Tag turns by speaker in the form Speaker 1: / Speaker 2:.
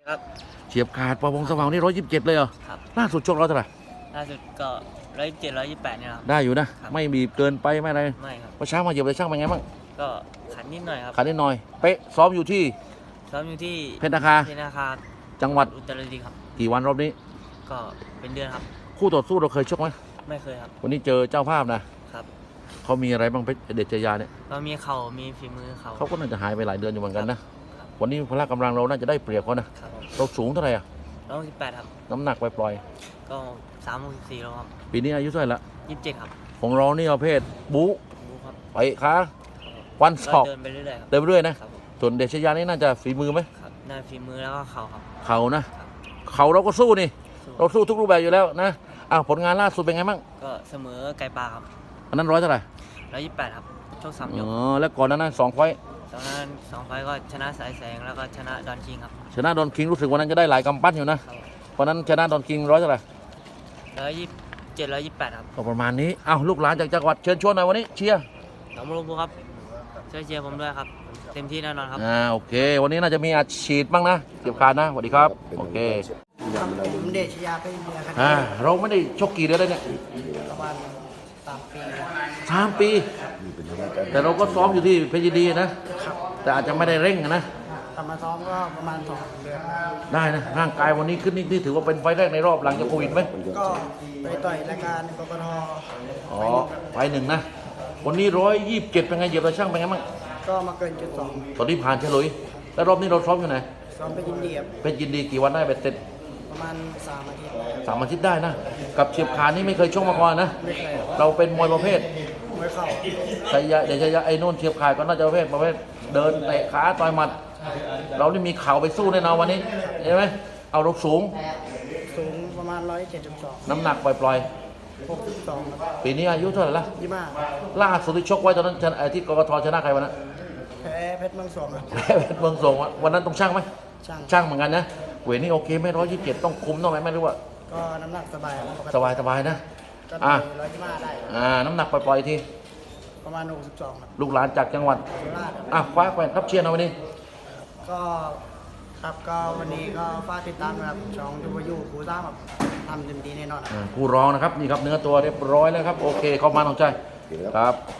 Speaker 1: ครับ
Speaker 2: เฉียบขาดประวงสว่างนี่127เลยเหรอ
Speaker 1: ครับ
Speaker 2: ล่าสุดชกร้อยเท่าไหร่
Speaker 1: ล่าสุดก็127 128เนี่ยครับ
Speaker 2: ได้อยู่นะ
Speaker 1: ครับ
Speaker 2: ไม่บีบเกินไปไม่อะไร
Speaker 1: ไม่ครับ
Speaker 2: พอเช้ามาเหยียบเลยช่างเป็นไงบ้าง
Speaker 1: ก็ขันนิดหน่อยครับ
Speaker 2: ขาดนิดหน่อยเป๊ะซ้อมอยู่ที่
Speaker 1: ซ้อมอยู่ที่
Speaker 2: เพชรนาคา
Speaker 1: เพชรนาคา
Speaker 2: จังหวัด
Speaker 1: อุตรดิตถ์ครับ
Speaker 2: กี่วันรอบนี้
Speaker 1: ก็เป็นเดือนครับ
Speaker 2: คู่ต่อสู้เราเคยชกไหม
Speaker 1: ไม่เคยครับ
Speaker 2: วันนี้เจอเจ้าภาพนะครับเขามีอะไรบ้างเพชรเดชยาเนี่ย
Speaker 1: ก็มีเข่ามีฝีมือ
Speaker 2: เขาก็น่าจะหายไปหลายเดือนอยู่เหมือนกันนะวันนี้พละกำลังเราน่าจะได้เปรียบเขานะครับเราสูงเท่าไหร่อ่ะ
Speaker 1: 118ครับ
Speaker 2: น้ำหนักปล่อย
Speaker 1: ก็364แล้วครับ
Speaker 2: ๆปีนี้อายุเท่าไหร่ละ
Speaker 1: 27ครับ
Speaker 2: ของเรานี่ประเภทบู๊
Speaker 1: รู้ครับ
Speaker 2: ไปขาวันศอก
Speaker 1: เดินไปเรื่อยๆครับ
Speaker 2: เดินไปเรื่อยนะครับส่วนเดชยานี่น่าจะฝีมือไหม
Speaker 1: ครับหน้าฝีมือแล้วก็เข่าครับ
Speaker 2: เขานะครับ เขาเราก็สู้นี่เราสู้ทุกรูปแบบอยู่แล้วนะอ้าวผลงานล่าสุดเป็นไงบ้าง
Speaker 1: ก็เสมอไก่ปลาครับ
Speaker 2: อันนั้นร้อยเท่าไหร่
Speaker 1: 128ครับโชค3 ยก
Speaker 2: แล้วก่อนนั้น2 ไฟต์
Speaker 1: ตอนนั้น2 ไฟล์ก็ชนะสายแสงแล้วก็ชนะดอนคิงครับ
Speaker 2: ชนะดอนคิงรู้สึกวันนั้นจะได้หลายกำปั้นอยู่นะครับเพราะนั้นชนะดอนคิงร้อยเท่าไหร่
Speaker 1: 127 128ครับ
Speaker 2: ก็ประมาณนี้อ้าวลูกหลานจากจังหวัดเชิญชวนหน่อยวันนี้เชียร์
Speaker 1: หนองบัวลำพูครับช่วยเชียร์ผมด้วยครับเต็มที่แน่นอนครับ
Speaker 2: โอเควันนี้น่าจะมีอาชีพบ้างนะเก็บขาดนะสวัสดีครับโอเค
Speaker 3: ครับผมเดชยาเป็นเมียครับ
Speaker 2: เราไม่ได้ชกกี่เดือนแล้วเนี่ย
Speaker 3: ประมาณ3 ปี
Speaker 2: 3 ปี แต่เราก็ซ้อมอยู่ที่เพชรยินดีนะแต่อาจจะไม่ได้เร่งนะ
Speaker 3: ทำมาซ้อมก็ประมาณ2 เดือน
Speaker 2: ได้นะร่างกายวันนี้ขึ้นนี่ถือว่าเป็นไฟแรกในรอบหลังจากโควิดไหม
Speaker 3: ก็ไปต่อยรายการกกท
Speaker 2: ไฟหนึ่งนะวันนี้127เป็นไงเหยียบตะช่างเป็นไงบ้าง
Speaker 3: ก็มาเกิน
Speaker 2: ตอนนี้ผ่านเฉลยแล้วรอบนี้เราซ้อมอยู่ไหน
Speaker 3: ซ้อมไปยินดีครับ
Speaker 2: เป็นยินดีกี่วันได้ไปเสร็จ
Speaker 3: ประมาณ3 อาทิตย์
Speaker 2: 3 อาทิตย์ได้นะกับเฉียบขานี่ไม่เคยชกมาก่อนนะ
Speaker 3: ไม่เคย
Speaker 2: เราเป็นมวยประเภท
Speaker 3: มวยเข่า
Speaker 2: ชัยยะเดี๋ยวชัยยะไอ้นู่นเฉียบขาก็น่าจะประเภทเดินเตะขาต่อยหมัดเรานี่มีเข่าไปสู้แน่นอนวันนี้เห็นไหมเอาเราสูง
Speaker 3: ประมาณ172
Speaker 2: น้ำหนักปล่อย
Speaker 3: 62ครับ
Speaker 2: ปีนี้อายุเท่าไหร่ละ
Speaker 3: 25
Speaker 2: ล่าสุดที่ชกไว้ตอนนั้นที่กกทชนะใครวันนั้น
Speaker 3: แพ้เพชรเมืองสองครับ
Speaker 2: แพ้เพชรเมืองสองวันนั้นต้องช่างไหมช่างเหมือนกันนะเวทนี่โอเคไม่127ต้องคุมต้องไหมไม่รู้ว่า
Speaker 3: ก็น้ำหนักสบาย
Speaker 2: สบายนะ
Speaker 3: ก็125ได้
Speaker 2: น้ำหนักปล่อยที
Speaker 3: ประมาณ62ครับ
Speaker 2: ลูกหลานจากจังหวัด
Speaker 3: โคราช
Speaker 2: คว้าแขวนครับเชียร์นะวันนี้
Speaker 3: ก็ครับก็วันนี้ก็ฝากติดตามนะครับช่องยูยูครูซ่าแบบทำเต็มที่แน่นอน
Speaker 2: ผู้ร้องนะครับนี่ครับเนื้อตัวเรียบร้อยแล้วครับโอเคเข้ามาน้องใจครับ